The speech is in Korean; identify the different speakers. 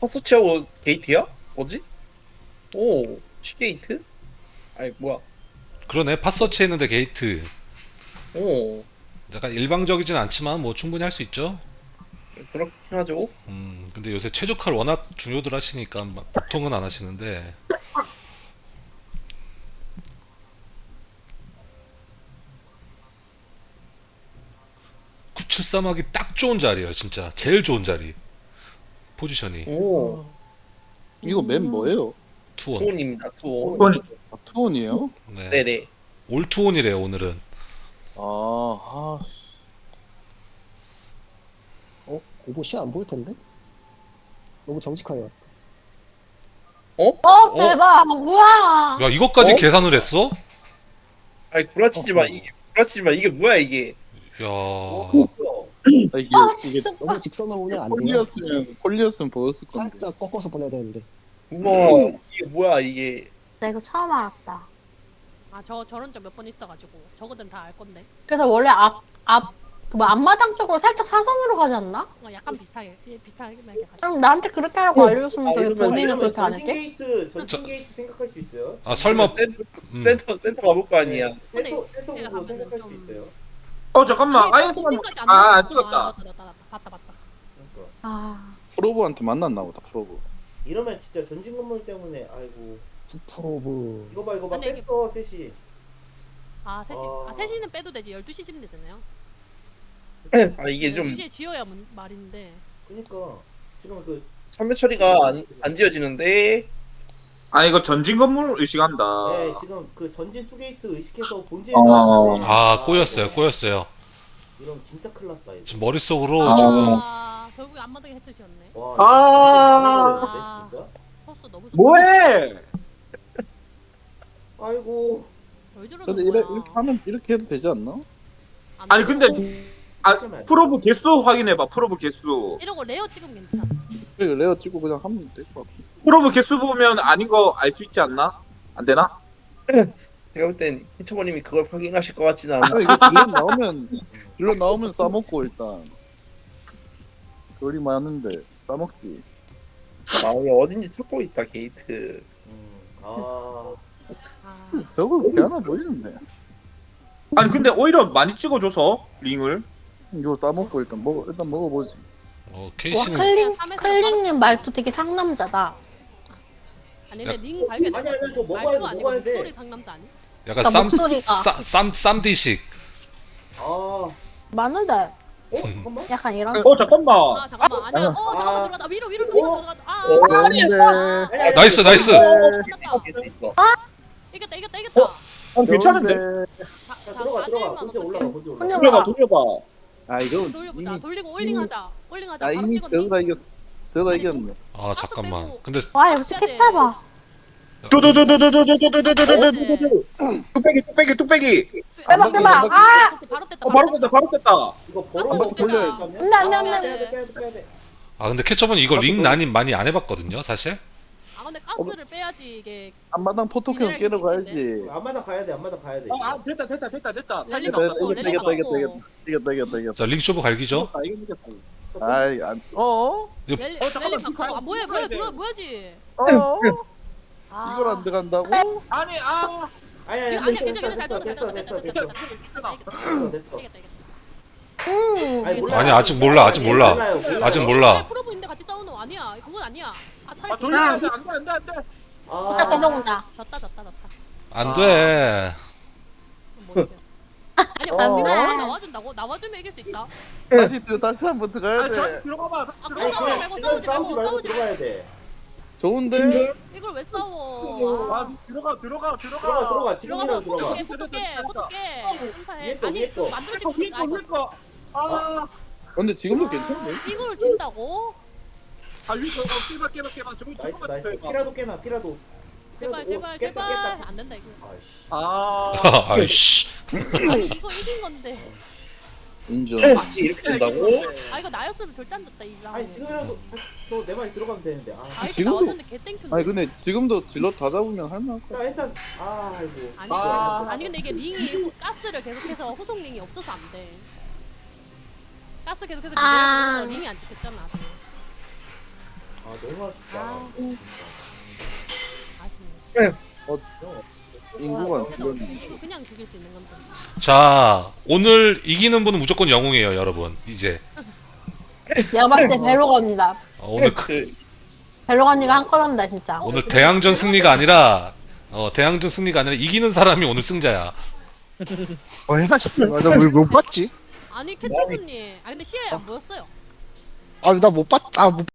Speaker 1: 퍼스치하고 게이트야? 뭐지? 오, C게이트? 아니 뭐야?
Speaker 2: 그러네. 팟서치 했는데 게이트.
Speaker 1: 오,
Speaker 2: 약간 일방적이진 않지만 뭐 충분히 할 수 있죠.
Speaker 1: 그렇긴 하죠.
Speaker 2: 근데 요새 최적화를 워낙 중요들 하시니까 보통은 안 하시는데. 973하기 딱 좋은 자리예요, 진짜. 제일 좋은 자리. 포지션이.
Speaker 1: 오,
Speaker 3: 이거 맵 뭐예요?
Speaker 2: 투원.
Speaker 1: 투혼입니다. 투혼.
Speaker 3: 아, 투혼이에요?
Speaker 2: 네.
Speaker 1: 네네.
Speaker 2: 올 투원이래요, 오늘은.
Speaker 3: 씨.
Speaker 4: 이거 시야 안 보일 텐데? 너무 정직하네요.
Speaker 1: 어?
Speaker 5: 대박 뭐야?
Speaker 2: 야, 이것까지
Speaker 1: 어?
Speaker 2: 계산을 했어?
Speaker 1: 아니 구라치지 마. 이게 구라치지 마. 이게 뭐야 이게?
Speaker 2: 야.
Speaker 3: 아, 이게
Speaker 5: 진짜
Speaker 4: 너무 직선으로 오면 안 돼요.
Speaker 3: 폴리였으면 보였을 건데.
Speaker 4: 살짝 꺾어서 보내야 되는데.
Speaker 1: 우와, 이게 뭐야 이게?
Speaker 5: 나 이거 처음 알았다.
Speaker 6: 아, 저런 적 몇 번 있어가지고 저거든 다 알 건데.
Speaker 5: 그래서 원래 앞마당 쪽으로 살짝 사선으로 가지 않나?
Speaker 6: 약간 비슷하게 비슷하게 가지고.
Speaker 5: 그럼 나한테 그렇게 하라고 알려줬으면 저기
Speaker 1: 이러면
Speaker 5: 본인은 그렇게 안
Speaker 7: 전진
Speaker 5: 했대?
Speaker 7: 게이트, 전진 게이트 생각할 수 있어요.
Speaker 2: 아, 설마.
Speaker 1: 센터 가볼 거 아니야.
Speaker 6: 근데
Speaker 7: 센터
Speaker 6: 내가
Speaker 7: 보고
Speaker 6: 가면은
Speaker 7: 생각할
Speaker 6: 좀-
Speaker 7: 수 있어요.
Speaker 8: 잠깐만. 아예
Speaker 6: 본진까지 안
Speaker 8: 아,
Speaker 6: 나와.
Speaker 8: 안 찍었다.
Speaker 6: 맞다. 봤다.
Speaker 7: 그러니까
Speaker 5: 아,
Speaker 3: 프로브한테 만났나 보다, 프로브.
Speaker 7: 이러면 진짜 전진 건물 때문에 아이고
Speaker 4: 프로브.
Speaker 7: 이거 봐
Speaker 6: 근데 이게-
Speaker 7: 뺐어 셋이.
Speaker 6: 아, 3시는 빼도 되지. 12시 지면 되잖아요.
Speaker 1: 아 이게 좀
Speaker 6: 12시에 지어야 말인데.
Speaker 7: 그러니까 지금 그
Speaker 1: 선멸 처리가 안 지어지는데.
Speaker 8: 아니 이거 전진 건물 의식한다.
Speaker 7: 네, 지금 그 전진 투 게이트 의식해서 본진에
Speaker 8: 어.
Speaker 7: 나왔는데
Speaker 2: 아, 꼬였어요.
Speaker 7: 이러면 진짜 큰일 났다 이거.
Speaker 2: 지금 머릿속으로
Speaker 8: 아.
Speaker 2: 지금.
Speaker 6: 결국에 앞마당에 해트지었네.
Speaker 7: 와,
Speaker 8: 아.
Speaker 7: 이거 진짜.
Speaker 6: 포스 너무 좋다.
Speaker 8: 뭐해?
Speaker 7: 아이고
Speaker 6: 왜 저러는
Speaker 3: 근데
Speaker 6: 거야?
Speaker 3: 이렇게 하면 이렇게 해도 되지 않나?
Speaker 6: 안
Speaker 8: 아니
Speaker 6: 되고.
Speaker 8: 근데 프로브 개수 확인해봐. 프로브 개수.
Speaker 6: 이러고 레어 찍으면 괜찮아.
Speaker 3: 이거 레어 찍고 그냥 하면 될 것 같아.
Speaker 8: 프로브 개수 보면 아닌 거 알 수 있지 않나? 안 되나?
Speaker 1: 제가 볼 땐 히처버님이 그걸 확인하실 것 같지는 않아.
Speaker 3: 이거 딜러 나오면 싸먹고 일단. 별이 많은데 싸먹지.
Speaker 1: 아 이게 어딘지 찾고 있다 게이트.
Speaker 7: 아
Speaker 6: 아,
Speaker 3: 저거 그렇게 하나 보이는데.
Speaker 8: 아니 근데 오히려 많이 찍어줘서 링을.
Speaker 3: 이거 싸먹고 일단 먹어보지.
Speaker 5: 와
Speaker 2: 케이씨는.
Speaker 5: 클링님 말투 되게 상남자다.
Speaker 6: 아니 근데 링 발견.
Speaker 7: 아니, 저 먹어야
Speaker 6: 말투
Speaker 7: 돼,
Speaker 6: 아니고
Speaker 7: 먹어야 돼.
Speaker 6: 목소리 상남자 아니?
Speaker 2: 약간
Speaker 5: 그러니까 목소리가.
Speaker 2: 쌈디식.
Speaker 7: 아.
Speaker 5: 맞는데
Speaker 7: 잠깐만.
Speaker 5: 약간 이런.
Speaker 8: 잠깐만.
Speaker 6: 아 잠깐만 아니야. 잠깐만 들어갔다. 위로 들어갔다.
Speaker 3: 그런데.
Speaker 2: 나이스.
Speaker 6: 이겼다.
Speaker 8: 괜찮은데.
Speaker 7: 자, 들어가 혼자 올라가
Speaker 5: 혼자
Speaker 8: 돌려봐 돌려봐.
Speaker 3: 아 이거
Speaker 6: 돌려보자.
Speaker 3: 이미
Speaker 6: 돌리고 올링하자. 올링하자. 바로
Speaker 3: 이미
Speaker 6: 찍었네.
Speaker 3: 저다 이겼어. 저다 이겼네.
Speaker 2: 아, 잠깐만. 근데
Speaker 5: 와 역시 케찹아.
Speaker 8: 두두두두두두두두두두두두. 뚝배기.
Speaker 5: 대박. 아,
Speaker 6: 바로 뗐다.
Speaker 8: 바로 뗐다.
Speaker 7: 이거
Speaker 6: 한번
Speaker 7: 벌어서
Speaker 6: 더
Speaker 7: 돌려야
Speaker 6: 빼자.
Speaker 7: 돼.
Speaker 5: 안돼.
Speaker 7: 빼야 돼.
Speaker 2: 아, 근데 캐쳐분 이거 링 난임 많이 안 해봤거든요, 사실.
Speaker 6: 아 근데 가스를 빼야지 이게.
Speaker 3: 앞마당 포토캔 깨러 가야지.
Speaker 7: 앞마당 가야 돼.
Speaker 8: 됐다.
Speaker 6: 랠리
Speaker 3: 이겼다,
Speaker 6: 먹고,
Speaker 3: 이겼다,
Speaker 6: 랠리
Speaker 3: 이겼다,
Speaker 6: 먹고.
Speaker 3: 이겼다.
Speaker 2: 자, 링 쇼부 갈기죠.
Speaker 3: 아이
Speaker 6: 랠리 바꾸고. 아 뭐야 뭐야지. 아.
Speaker 3: 이걸 안 들어간다고?
Speaker 7: 아니
Speaker 6: 아니야 괜찮아 잘 돌렸다. 됐다.
Speaker 7: 됐어.
Speaker 6: 이겼다.
Speaker 5: 음.
Speaker 2: 아니, 아직 몰라. 아직 몰라.
Speaker 6: 프로브인데 같이 싸우는 거 아니야. 그건 아니야. 아 차라리
Speaker 8: 돌려야 돼. 안돼.
Speaker 5: 진짜 계속 온다.
Speaker 6: 졌다.
Speaker 2: 안 돼.
Speaker 6: 아니
Speaker 3: 어?
Speaker 6: 나와준다고? 나와주면 이길 수 있다.
Speaker 3: 다시 한번 들어가야
Speaker 8: 아니
Speaker 3: 돼.
Speaker 8: 들어가봐.
Speaker 6: 아
Speaker 7: 아니
Speaker 6: 그거
Speaker 7: 지금
Speaker 6: 싸우지 말고 싸우지 말고
Speaker 7: 들어가야 돼.
Speaker 3: 좋은데?
Speaker 6: 이걸 왜 싸워?
Speaker 8: 아 들어가.
Speaker 7: 들어가. 지금이라도 들어가.
Speaker 6: 포토게 행사해.
Speaker 7: 위에 거,
Speaker 6: 아니
Speaker 7: 위에
Speaker 6: 그거
Speaker 7: 거.
Speaker 6: 만들지
Speaker 8: 위에 거. 아
Speaker 3: 근데 지금도 괜찮네.
Speaker 6: 이걸 진다고?
Speaker 8: 위에 거 깨봐.
Speaker 7: 나이스. 피라도.
Speaker 6: 제발 안 된다 이거.
Speaker 7: 아이씨.
Speaker 2: 아이씨.
Speaker 6: 아니 이거 이긴 건데.
Speaker 3: 인정.
Speaker 1: 이렇게 된다고?
Speaker 6: 아 이거 나였으면 절대 안 졌다 이 상.
Speaker 7: 아니 지금이라도 내 말이 들어가면 되는데.
Speaker 6: 아이디
Speaker 3: 지금도-
Speaker 6: 나왔는데 개땡큐인데.
Speaker 3: 아니 근데 지금도 딜러 다 잡으면 할만할 것 같아.
Speaker 7: 일단 아이고.
Speaker 6: 아니 근데 이게 링이 가스를 계속해서 후속 링이 없어서 안 돼. 가스 계속해서
Speaker 5: 아.
Speaker 6: 링이 안 찍혔잖아.
Speaker 7: 아 너무 얼마나 쉽지 않아.
Speaker 6: 아. 아쉽네.
Speaker 3: 인구가
Speaker 6: 이거 그냥 죽일 수 있는 건데.
Speaker 2: 자, 오늘 이기는 분은 무조건 영웅이에요, 여러분. 이제
Speaker 5: 내가 봤을 때 벨로건이다.
Speaker 2: 오늘
Speaker 5: 벨로건이가 한 건 한다 진짜.
Speaker 2: 오늘 대항전 승리가 아니라 대항전 승리가 아니라 이기는 사람이 오늘 승자야.
Speaker 4: 얼마 전에 맞아 못 봤지?
Speaker 6: 아니, 캐쳐분님. 아, 근데 시야에 안 보였어요.
Speaker 4: 아 나 못 봤. 아 못